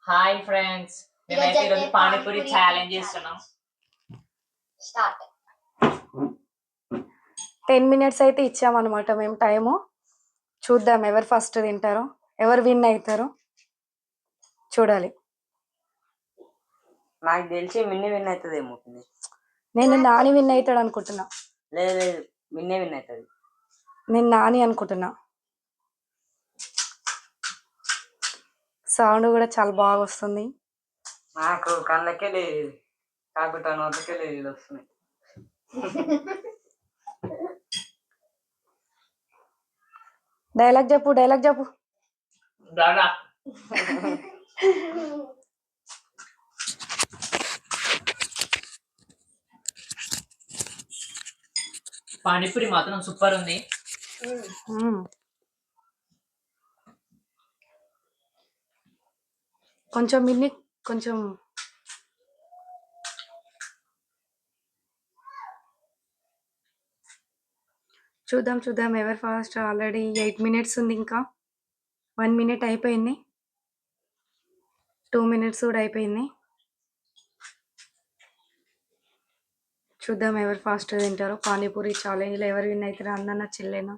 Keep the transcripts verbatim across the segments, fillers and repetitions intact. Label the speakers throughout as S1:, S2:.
S1: Hi friends, మేమైతే ఈరోజు panipuri challenge చేస్తున్నాం.
S2: స్టార్ట్.
S3: టెన్ మినిట్స్ అయితే ఇచ్చామన్నమాట మేము టైము. చూద్దాం ఎవరు ఫస్ట్ తింటారో, ఎవరు విన్ అవుతారో చూడాలి.
S4: నాకు తెలిసి మిన్నే విన్ అవుతుందేమో.
S3: నేను నాని విన్ అవుతాడు అనుకుంటున్నా.
S4: లేదు లేదు, మిన్నే విన్ అవుతుంది.
S3: నేను నాని అనుకుంటున్నా. సౌండ్ కూడా చాలా బాగా వస్తుంది.
S4: నాకు కళ్ళకే లేదు, కాకుండా నోటకే లేదు వస్తున్నాయి.
S3: డైలాగ్ చెప్పు, డైలాగ్ చెప్పు.
S1: పానీపూరి మాత్రం సూపర్ ఉంది.
S3: కొంచెం మిన్ని కొంచెం చూద్దాం చూద్దాం ఎవరు ఫాస్ట్. ఆల్రెడీ ఎయిట్ మినిట్స్ ఉంది, ఇంకా వన్ మినిట్ అయిపోయింది, టూ మినిట్స్ కూడా అయిపోయింది. చూద్దాం ఎవరు ఫాస్ట్ తింటారో. పానీపూరి ఛాలెంజ్లో ఎవరు విన్ అవుతారో, అన్న చిల్లేనా.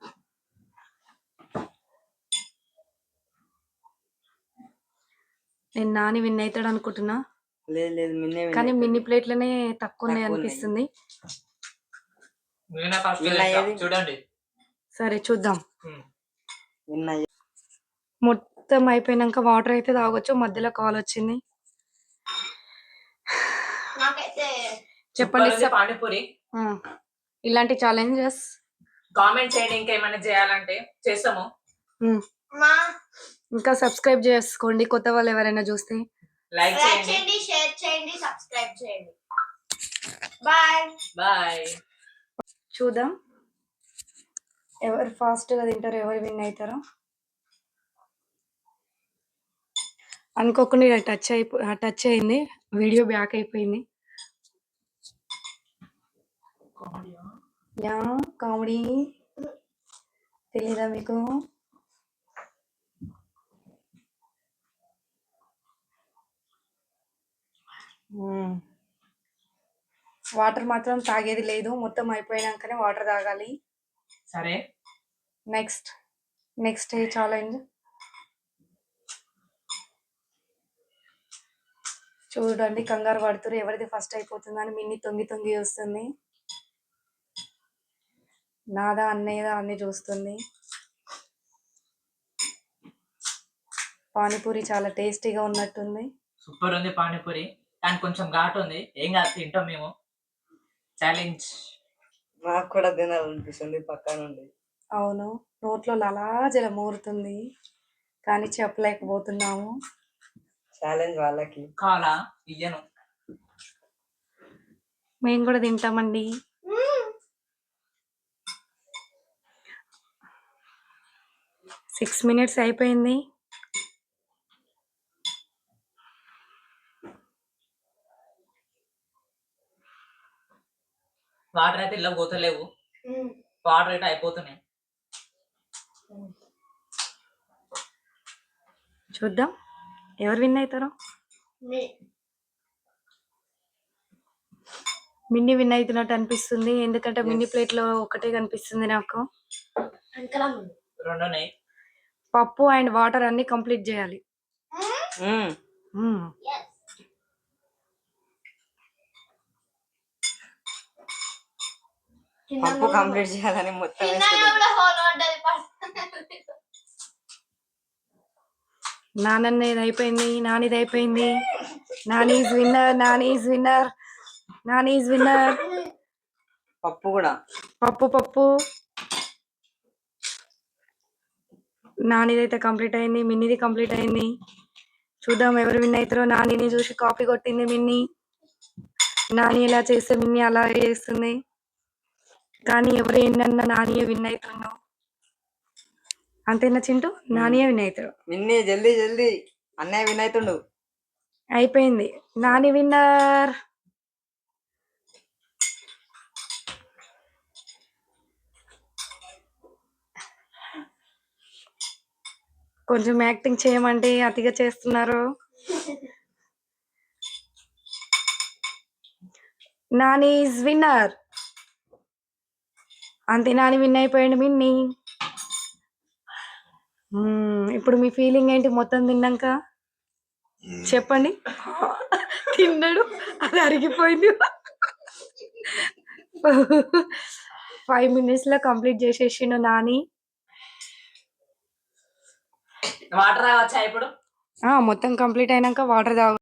S3: నేను నాని విన్ అవుతాడు అనుకుంటున్నా,
S4: లేదు లేదు మిన్నే విన్
S3: కానీ
S4: అవుతుంది.
S3: మిన్ని ప్లేట్లనే తక్కువ ఉన్నాయి
S4: తక్కువ
S3: అనిపిస్తుంది.
S1: నేనే ఫస్ట్
S4: విన్ అయ్యేది.
S1: చూడండి.
S3: సరే చూద్దాం.
S4: విన్ అయ్యే
S3: మొత్తం అయిపోయినాక వాటర్ అయితే తాగొచ్చు. మధ్యలో కాల్ వచ్చింది.
S2: నాకైతే
S3: చెప్పండి
S1: సూపర్ ఉంది పానీపూరి.
S3: ఆ, ఇలాంటి ఛాలెంజెస్
S1: కామెంట్ చేయండి, ఇంకా ఏమైనా చేయాలంటే చేస్తాము.
S2: మా
S3: ఇంకా సబ్స్క్రైబ్ చేసుకోండి కొత్త వాళ్ళు ఎవరైనా చూస్తే.
S1: లైక్
S2: లైక్
S1: చేయండి.
S2: చేయండి, షేర్ చేయండి, సబ్స్క్రైబ్ చేయండి. Bye
S1: bye.
S3: చూద్దాం ఎవరు ఫాస్ట్గా తింటారో, ఎవరు విన్ అవుతారో. అనుకోకుండా టచ్ అయిపో టచ్ అయింది, వీడియో బ్యాక్ అయిపోయింది. యా కామెడీ తెలీదా మీకు? వాటర్ మాత్రం తాగేది లేదు, మొత్తం అయిపోయినాకనే వాటర్ తాగాలి.
S1: సరే,
S3: నెక్స్ట్ నెక్స్ట్ ఏ ఛాలెంజ్ చూడండి. కంగారు పడుతురు ఎవరిది ఫస్ట్ అయిపోతుందని. మిన్ని తొంగి తొంగి చూస్తుంది. నాదా అన్నయ్యదా అన్ని చూస్తుంది. పానీపూరి చాలా టేస్టీగా ఉన్నట్టుంది.
S1: సూపర్ ఉంది పానీపూరి, కానీ కొంచెం ఘాటు ఉంది. ఏం కాదు, తింటాం మేము. ఛాలెంజ్.
S4: నాకు కూడా తినాలనిపిస్తుంది పక్క నుండి.
S3: అవును, నోట్లో అలా జల మూరుతుంది, కానీ చెప్పలేకపోతున్నాము.
S4: ఛాలెంజ్ వాళ్ళకి.
S1: కాలా ఇయ్యను.
S3: మేము కూడా తింటామండి. సిక్స్ మినిట్స్ అయిపోయింది.
S1: వాటర్ అయితే ఇలా పోతలేవు, వాటర్ అయితే అయిపోతున్నాయి.
S3: చూద్దాం ఎవరు విన్ అవుతారో. మిన్ని విన్ అవుతున్నట్టు అనిపిస్తుంది, ఎందుకంటే మిన్ని ప్లేట్ లో ఒకటే కనిపిస్తుంది నాకు.
S1: రెండు ఉన్నాయి.
S3: పప్పు అండ్ వాటర్ అన్ని కంప్లీట్ చేయాలి.
S4: పప్పు కంప్లీట్ చేయాలని మొత్తం
S3: నానన్నది అయిపోయింది, నానిది అయిపోయింది. Nani is winner, Nani is winner, Nani is winner.
S4: పప్పు కూడా
S3: పప్పు పప్పు నానిదైతే కంప్లీట్ అయింది, మిన్నిది కంప్లీట్ అయింది. చూద్దాం ఎవరు విన్ అవుతారో. నానిని చూసి కాపీ కొట్టింది మిన్ని. నాని ఇలా చేస్తే మిన్ని అలా చేస్తుంది, కానీ ఎవరు ఏంటన్నా నానియే విన్ అవుతున్నావు. అంతేనా చింటూ? నానియే విన్ అవుతాడు.
S4: మిన్ని జల్దీ జల్దీ, అన్నయ్య విన్ అవుతుండు.
S3: అయిపోయింది, నాని విన్నర్. కొంచెం యాక్టింగ్ చేయమంటే అతిగా చేస్తున్నారు. Nani is winner. అంతే, నాని విన్ అయిపోయాడు మిన్ని. మ్మ్, ఇప్పుడు మీ ఫీలింగ్ ఏంటి మొత్తం తిన్నాక చెప్పండి. తిన్నాడు, అది అరిగిపోయింది. ఫైవ్ మినిట్స్ లో కంప్లీట్ చేసేసిండు నాని.
S1: వాటర్ తాగొచ్చా ఇప్పుడు?
S3: ఆ, మొత్తం కంప్లీట్ అయినాక వాటర్ తాగు.